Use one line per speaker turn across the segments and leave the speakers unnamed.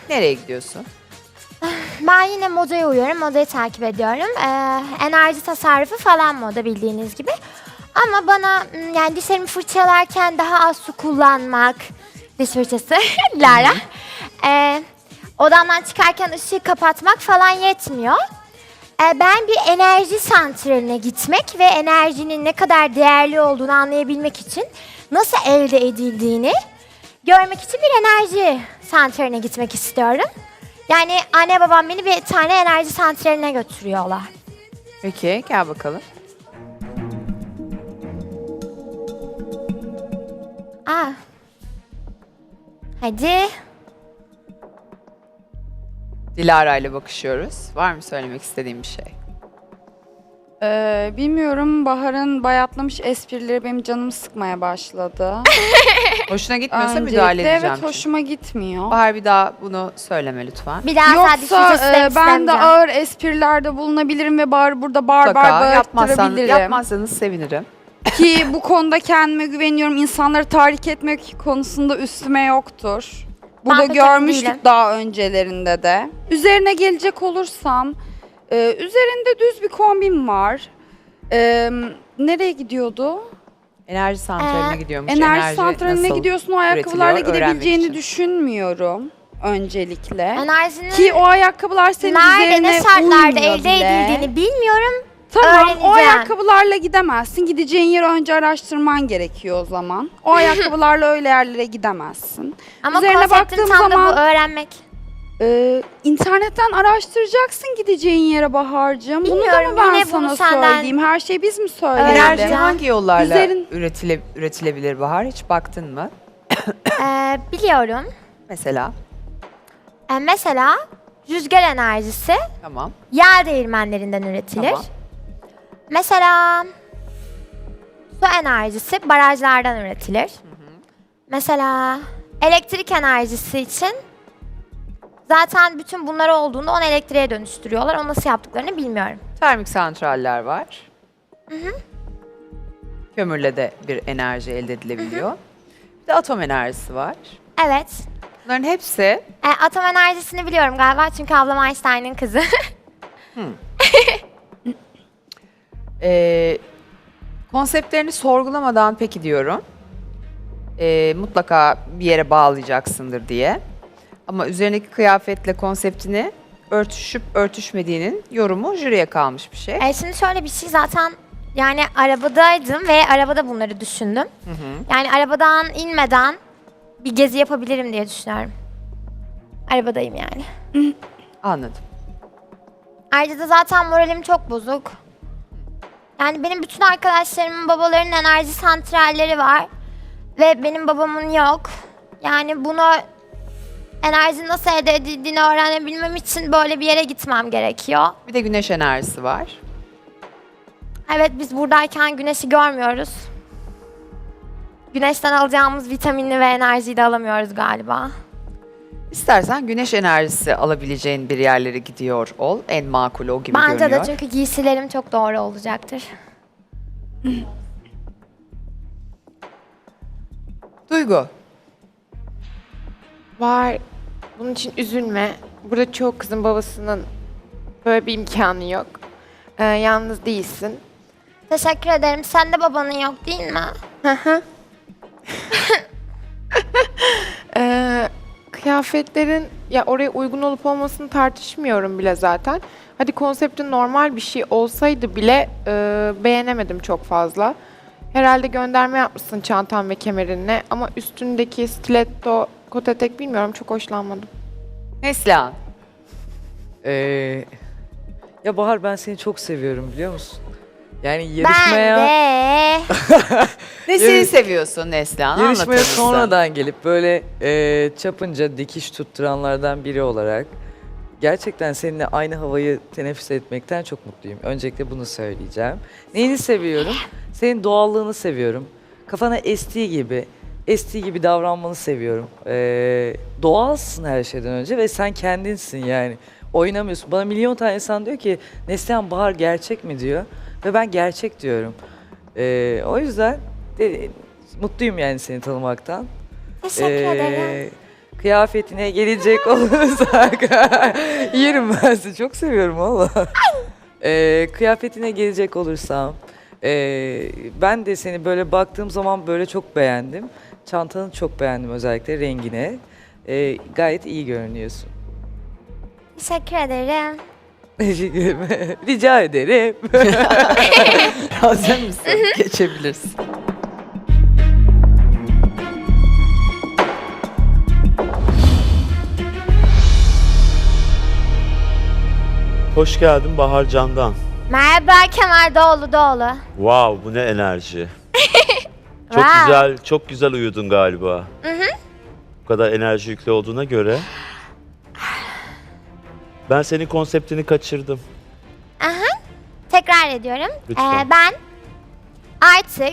Nereye gidiyorsun?
Ben yine modaya uyuyorum, modayı takip ediyorum. Enerji tasarrufu falan moda bildiğiniz gibi. Ama bana yani dişlerimi fırçalarken daha az su kullanmak, diş fırçası, Lara. Odamdan çıkarken ışığı kapatmak falan yetmiyor. Ben bir enerji santraline gitmek ve enerjinin ne kadar değerli olduğunu anlayabilmek için nasıl elde edildiğini görmek için bir enerji santraline gitmek istiyorum. Yani anne babam beni bir tane enerji santraline götürüyorlar.
Peki gel bakalım.
Aa. Hadi.
Dilara ile bakışıyoruz. Var mı söylemek istediğin bir şey?
Bilmiyorum, Bahar'ın bayatlamış esprileri benim canımı sıkmaya başladı.
Hoşuna gitmiyorsa
Öncelikle
müdahale edeceğim.
evet,
çünkü.
hoşuma gitmiyor.
Bahar bir daha bunu söyleme lütfen.
Bir daha sadece diş fırçası
Yoksa
demek
ben de
istemeyeceğim.
ağır esprilerde bulunabilirim ve Bahar'ı burada bar
Mutlaka
bağırttırabilirim.
yapmazsanız sevinirim.
Ki bu konuda kendime güveniyorum. İnsanları tahrik etmek konusunda üstüme yoktur. Burada
Ben pek emin
görmüştük
değilim.
daha öncelerinde de. Üzerine gelecek olursam, üzerinde düz bir kombin var. Nereye gidiyordu?
Enerji santraline gidiyormuş.
Enerji santraline
nasıl
gidiyorsun. O ayakkabılarla
üretiliyor öğrenmek
gidebileceğini
için.
düşünmüyorum öncelikle.
Enerjinin
Ki o ayakkabılar senin
nerede,
üzerine
ne şartlarda
uymuyor
elde
bile.
edildiğini bilmiyorum.
Tamam, o
öğreneceğim.
ayakkabılarla gidemezsin. Gideceğin yeri önce araştırman gerekiyor o zaman. O ayakkabılarla öyle yerlere gidemezsin.
Ama
Üzerine
konseptim
baktığım
tam da
zaman-
bu, öğrenmek.
İnternetten araştıracaksın gideceğin yere Bahar'cığım. Bunu da
Bilmiyorum,
mı ben
yine
sana
bunu senden-
söyleyeyim? Her şeyi biz mi
Enerji
söyleyelim?
hangi yollarla
Üzerin-
üretilebilir Bahar? Hiç baktın mı?
Biliyorum.
Mesela.
Mesela rüzgar enerjisi
Tamam.
yağ değirmenlerinden üretilir.
Tamam.
Mesela su enerjisi barajlardan üretilir. Mesela elektrik enerjisi için zaten bütün bunlar olduğunda onu elektriğe dönüştürüyorlar. Onu nasıl yaptıklarını bilmiyorum.
Termik santraller var. Kömürle de bir enerji elde edilebiliyor. Bir de atom enerjisi var.
Evet.
Bunların hepsi
Atom enerjisini biliyorum galiba çünkü ablam Einstein'ın kızı.
konseptlerini sorgulamadan peki diyorum. Mutlaka bir yere bağlayacaksındır diye. Ama üzerindeki kıyafetle konseptini örtüşüp örtüşmediğinin yorumu jüriye kalmış bir şey.
Şimdi şöyle bir şey zaten yani arabadaydım ve arabada bunları düşündüm. Yani arabadan inmeden bir gezi yapabilirim diye düşünüyorum. Arabadayım yani.
Anladım.
Ayrıca da zaten moralim çok bozuk. Yani benim bütün arkadaşlarımın babalarının enerji santralleri var. Ve benim babamın yok. Yani bunu enerji nasıl elde edildiğini öğrenebilmem için böyle bir yere gitmem gerekiyor.
Bir de güneş enerjisi var.
Evet biz buradayken güneşi görmüyoruz. Güneşten alacağımız vitaminli ve enerjiyi de alamıyoruz galiba.
İstersen güneş enerjisi alabileceğin bir yerlere gidiyor ol. En makul o gibi
Bence
görünüyor.
de çünkü giysilerim çok doğru olacaktır.
Duygu.
Var. Bunun için üzülme. Burada çoğu kızın babasının böyle bir imkanı yok. Yalnız değilsin.
Teşekkür ederim. Sen de babanın yok değil mi?
Kıyafetlerin ya oraya uygun olup olmasını tartışmıyorum bile zaten. Hadi konseptin normal bir şey olsaydı bile beğenemedim çok fazla. Herhalde gönderme yapmışsın çantan ve kemerinle ama üstündeki stiletto kot etek bilmiyorum çok hoşlanmadım.
Neslihan.
Ya Bahar, ben seni çok seviyorum biliyor musun? Yani
Ben
yarışmaya
de.
Nesini seviyorsun Neslihan? Anlatır
yarışmaya
mısın?
sonradan gelip böyle çapınca dikiş tutturanlardan biri olarak gerçekten seninle aynı havayı teneffüs etmekten çok mutluyum. Öncelikle bunu söyleyeceğim. Neyini seviyorum? Senin doğallığını seviyorum. Kafana estiği gibi davranmanı seviyorum. Doğalsın her şeyden önce ve sen kendinsin yani. Oynamıyorsun. Bana milyon tane insan diyor ki Neslihan, Bahar gerçek mi diyor. Ve ben gerçek diyorum. O yüzden mutluyum yani seni tanımaktan.
Teşekkür ederim.
Kıyafetine gelecek olursak yerim ben sizi çok seviyorum valla. Kıyafetine gelecek olursam ben de seni böyle baktığım zaman böyle çok beğendim. Çantanı çok beğendim, özellikle rengine. Gayet iyi görünüyorsun.
Teşekkür ederim.
Teşekkür ederim. Rica ederim.
Hazır mısın? Geçebilirsin.
Hoş geldin Bahar Candan.
Merhaba Kemal Doğulu.
Wow, bu ne enerji. Çok
Wow.
güzel, çok güzel uyudun galiba. Bu kadar enerji yüklü olduğuna göre. Ben senin konseptini kaçırdım.
Tekrar ediyorum.
Lütfen.
Ben artık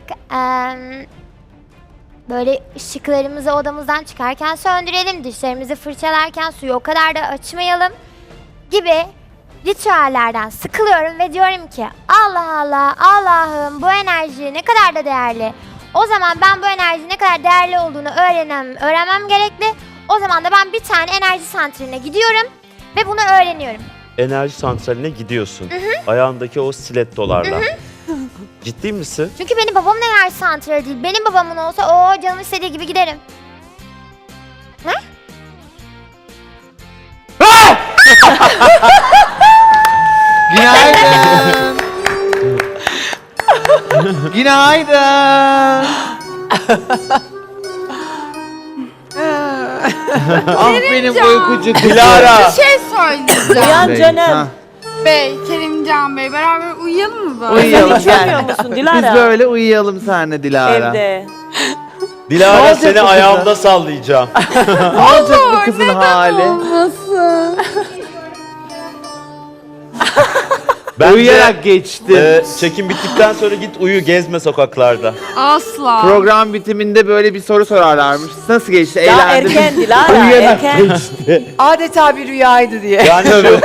böyle ışıklarımızı odamızdan çıkarken söndürelim, dişlerimizi fırçalarken suyu o kadar da açmayalım gibi ritüellerden sıkılıyorum ve diyorum ki Allah Allah, Allah'ım bu enerji ne kadar da değerli. O zaman ben bu enerjinin ne kadar değerli olduğunu öğrenmem gerekli. O zaman da ben bir tane enerji santraline gidiyorum ve bunu öğreniyorum.
Enerji santraline gidiyorsun. Ayağındaki o stilettolarla. Ciddi misin?
Çünkü benim babamın enerji santrali değil. Benim babamın olsa o canım istediği gibi giderim.
Günaydın. Günaydın. Ah benim uykucu kızım.
Dilara!
şey söyleyeceğim.
Uyan canım.
Bey, Kerimcan Bey beraber uyuyalım mı böyle?
Uyuyalım.
İçmiyor musun Dilara?
Biz böyle uyuyalım seninle Dilara.
Evde.
Ne
Dilara
olacak
seni
bu kıza?
ayağımda sallayacağım.
Ne olacak bu kızın hali?
Bence,
Uyuyarak geçti.
çekim bittikten sonra git uyu, gezme sokaklarda.
Asla.
Program bitiminde böyle bir soru sorarlarmış. Nasıl geçti?
Daha
Eğlendin mi?
erken Dilara,
Uyuyarak
erken.
geçti.
Adeta bir rüyaydı diye.
Yani şu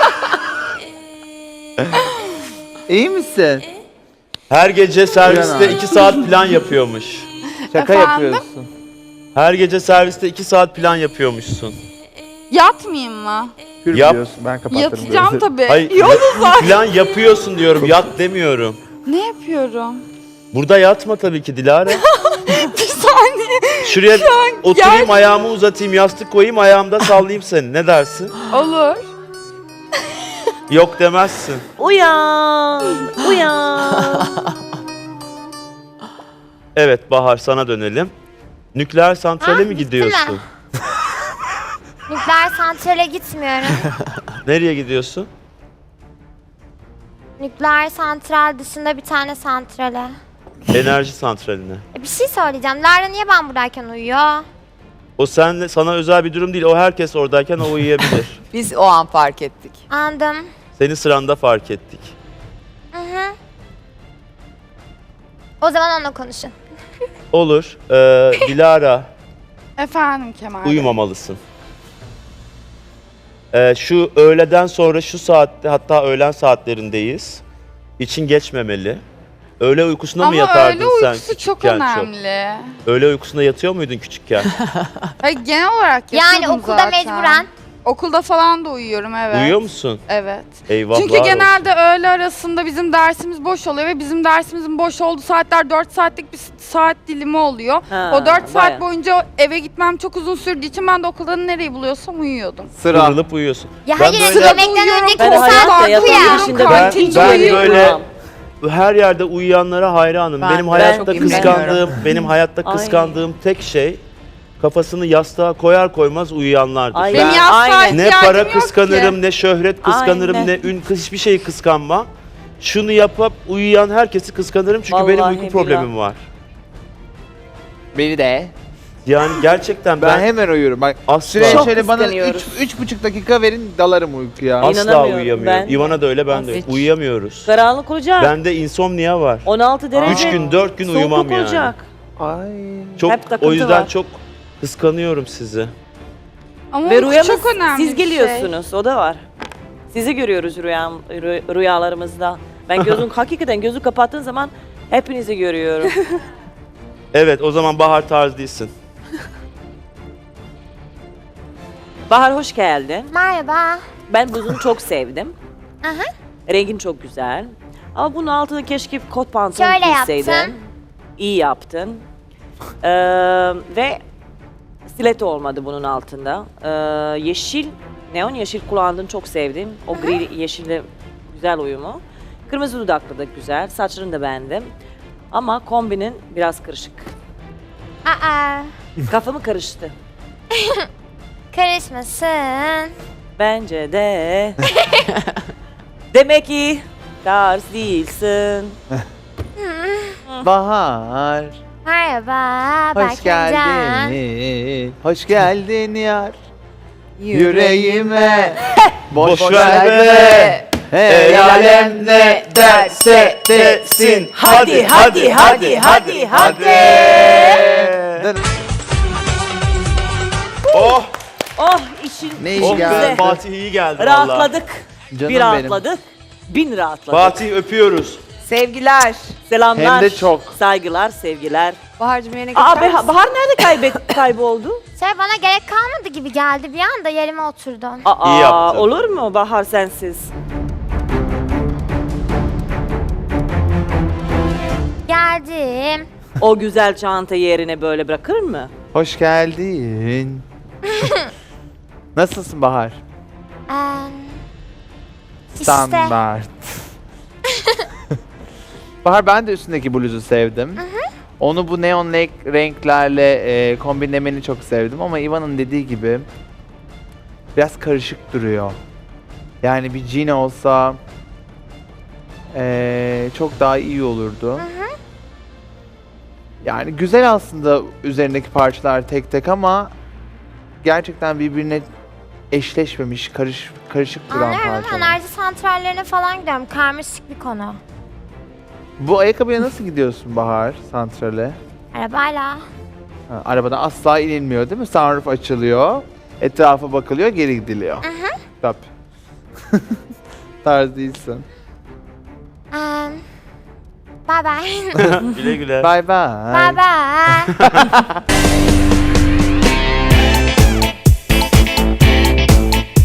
İyi misin?
her gece serviste
Uyan abi.
2 saat plan yapıyormuş.
Şaka
Efendim?
yapıyorsun.
Her gece serviste 2 saat plan yapıyormuşsun.
Yatmayayım mı?
Kür
Yap.
biliyorsun, ben kapatırım.
Yatacağım
gözleri.
tabii.
Hayır, plan yapıyorsun diyorum, yat demiyorum.
Ne yapıyorum?
Burada yatma tabii ki Dilara.
Bir saniye.
Şuraya oturayım, ayağımı uzatayım, yastık koyayım, ayağımda sallayayım seni. Ne dersin?
Olur.
Yok demezsin.
Uyan, uyan.
Evet Bahar, sana dönelim. Nükleer santrale mi
bitti
gidiyorsun?
mi? Nükleer santrale gitmiyorum.
Nereye gidiyorsun?
Nükleer santral dışında bir tane santrale.
Enerji santraline.
Bir şey söyleyeceğim. Lara niye ben buradayken uyuyor?
O sana özel bir durum değil. O herkes oradayken o uyuyabilir.
Biz o an fark ettik.
Anladım.
Seni sıranda fark ettik.
O zaman onunla konuşun.
Olur. Dilara,
Efendim Kemal Bey.
uyumamalısın. Şu öğleden sonra şu saatte, hatta öğlen saatlerindeyiz. İçin geçmemeli. Öğle uykusuna mı
Ama
yatardın
öğle
sen
uykusu çok
küçükken
önemli.
Öğle uykusuna yatıyor muydun küçükken?
Hayır, genel olarak
Yani
yatıyordum
okulda
zaten.
mecburen.
Okulda falan da uyuyorum, evet.
Uyuyor musun?
Evet.
Eyvahlar
Çünkü
olsun.
genelde öğle arasında bizim dersimiz boş oluyor ve bizim dersimizin boş olduğu saatler 4 saatlik bir saat dilimi oluyor.
Ha,
O 4 saat
bayağı.
boyunca eve gitmem çok uzun sürdüğü için ben de okulda nereyi buluyorsam uyuyordum.
Sıra.
Kıvrılıp uyuyorsun.
Ya
Ben
hayır,
böyle-
yemekten
Uyuyorum,
önceki
Ben
bir
hayatta
saat
yatağın
uyan.
dışında
Ben-
ben hiç
ben
uyuyamam.
böyle- Her yerde uyuyanlara hayranım.
Ben
Benim
de
hayatta
çok imreniyorum.
kıskandığım,
Ay.
kıskandığım tek şey kafasını yastığa koyar koymaz uyuyanlardır.
Ay,
Benim
Ben-
yastığa
aynen.
Ne
ihtiyacım
para
yok
kıskanırım,
ki.
ne şöhret kıskanırım,
Aynen.
ne ün, hiçbir şeyi kıskanmam. Şunu yapıp uyuyan herkesi kıskanırım çünkü benim
Vallahi
uyku problemim var.
Beni de.
Yani gerçekten
Ben
ben
hemen uyuyorum. Bak
asla
süreye
Çok
şöyle bana
kıskanıyoruz.
3,5 dakika verin dalarım uykuya.
Ay,
asla
İnanamıyorum
uyuyamıyorum.
ben.
Ivana da öyle, ben de öyle.
Hiç.
Uyuyamıyoruz.
Karanlık olacak.
Bende insomnia var.
16 derece.
3 gün 4 gün
Soğukluk
uyumam yani.
olacak.
Ay.
Çok,
Hep takıntı
o yüzden
var.
çok kıskanıyorum sizi.
Ama
Ve
uyku
rüyamız
çok önemli
siz
bir şey.
geliyorsunuz. O da var. Sizi görüyoruz rüyalarımızda. Ben hakikaten gözü kapattığın zaman hepinizi görüyorum.
Evet, o zaman Bahar tarz değilsin.
Bahar hoş geldin.
Merhaba.
Ben bluzunu çok sevdim.
Aha.
Rengin çok güzel. Ama bunun altına keşke kot pantolon
Şöyle
giyseydin.
yaptım.
İyi yaptın. Ve stiletto olmadı bunun altında. Yeşil, neon yeşil kullandın, çok sevdim. O gri yeşille güzel uyumu. Kırmızı dudaklı da güzel. Saçlarını da beğendim. Ama kombinin biraz karışık.
Aa,
Kafamı karıştı.
karışmasın.
Bence de. Demek ki tarz değilsin.
Bahar,
Merhaba.
hoş
Berkencan.
geldin. Hoş geldin yar. Yüreğime boş
Boş
ver
ver
be.
be.
El alem ne derse desin.
Hadi, hadi, hadi, hadi, hadi.
Oh!
Oh işin
Ne iyi
Oh
geldi.
be, Fatih iyi geldi valla.
rahatladık.
Canım
Bir
benim.
rahatladık. Bin rahatladık.
Fatih öpüyoruz.
Sevgiler.
Selamlar.
Hem de çok.
Saygılar, sevgiler.
Bahar'cığım yerine
Aa,
geçer misin?
Bahar nerede kayboldu?
Bana gerek kalmadı gibi geldi bir anda yerime oturdum.
Aa,
İyi yaptın.
olur mu Bahar sensiz?
Geldim.
O güzel çanta yerine böyle bırakır mı?
Hoş geldin. Nasılsın Bahar?
İşte.
Standart. Bahar, ben de üstündeki bluzu sevdim. Onu bu neon renklerle kombinlemeni çok sevdim ama Ivan'ın dediği gibi biraz karışık duruyor. Yani bir jean olsa çok daha iyi olurdu. Yani güzel aslında üzerindeki parçalar tek tek ama gerçekten birbirine eşleşmemiş, karışık duran
Anlıyorum.
parçalar.
Enerji santrallerine falan gidiyorum. Karmaşık bir konu.
Bu ayakkabıya nasıl gidiyorsun Bahar, santrale?
Arabayla.
Ha, arabadan asla inilmiyor değil mi? Sunroof açılıyor, etrafa bakılıyor, geri gidiliyor. Tabii. Tarz değilsin.
Bye bye.
Güle güle.
Bye bye.
Bye bye.